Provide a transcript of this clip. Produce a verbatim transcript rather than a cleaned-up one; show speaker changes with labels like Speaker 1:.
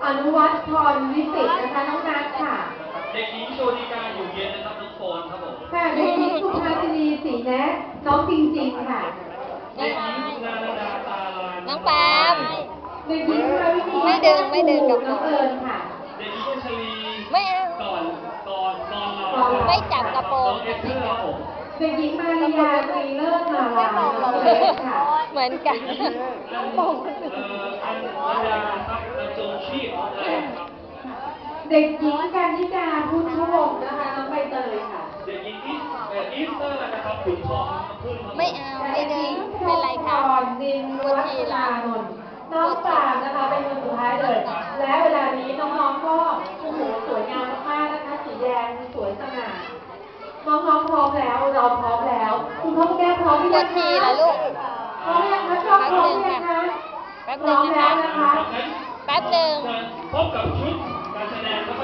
Speaker 1: นุวัฒน์พรวิสิตนะคะน้องนัทค่ะ
Speaker 2: เด็กหญิงโชติกาอยู่เย็นนะครับน้องโฟนครับผม
Speaker 1: ค่ะเด็กหญิงสุภาสินีศรีแนะน้องจริงๆค่ะ
Speaker 2: เด็กหญิงนาดาตาลาน
Speaker 3: น้องปาม
Speaker 1: เด็กหญิงมาวินี
Speaker 3: ไม่ดึงไม่ดึงกับ
Speaker 1: น้องเอิญค่ะ
Speaker 2: เด็กหญิงชลี
Speaker 3: ไม่เอา
Speaker 2: ก่อนก่อนก่อนเรา
Speaker 3: ไม่จับกระโปรง
Speaker 2: น้องเอสเธอร์ครับผม
Speaker 1: เด็กหญิงมาริยาตรีเลิศนาราน้องเล็กค่ะ
Speaker 3: เหมือนกัน
Speaker 2: น้องมองคนอื่นเอ่ออันวดาครับอันจงชีพของเราครับ
Speaker 1: เด็กหญิงกันนิกาพุทธวงศ์นะคะน้องใบเตยค่ะ
Speaker 2: เด็กหญิงอีสเอ่ออีสเตอร์นะครับขุนทองน้ำพึ่งครับ
Speaker 3: ไม่เอาไม่ดึงเป็นไรคะ
Speaker 1: ดินวัฒนานนท์น้องปามนะคะเป็นคนสุดท้ายเลย และเวลานี้น้องๆก็โอ้โหสวยงามมากๆนะคะสีแดงสวยสง่าน้องๆพร้อมแล้วเราพร้อมแล้วคุณพ่อคุณแม่พร้อมหรือ
Speaker 3: ปว
Speaker 1: ยั
Speaker 3: ด
Speaker 1: ง
Speaker 3: ฉี่
Speaker 1: คะ
Speaker 3: เหรอลูก
Speaker 1: พร้อมยังคะชอบพร้อมยังคะ
Speaker 3: แป๊บ
Speaker 1: พ
Speaker 3: หนึ่
Speaker 1: ร้อง ม
Speaker 3: นะ
Speaker 1: แล้ว
Speaker 3: คะ
Speaker 1: นะคะ
Speaker 3: แป๊บหนึ่ง
Speaker 2: พบกับชุดการแสดงครับ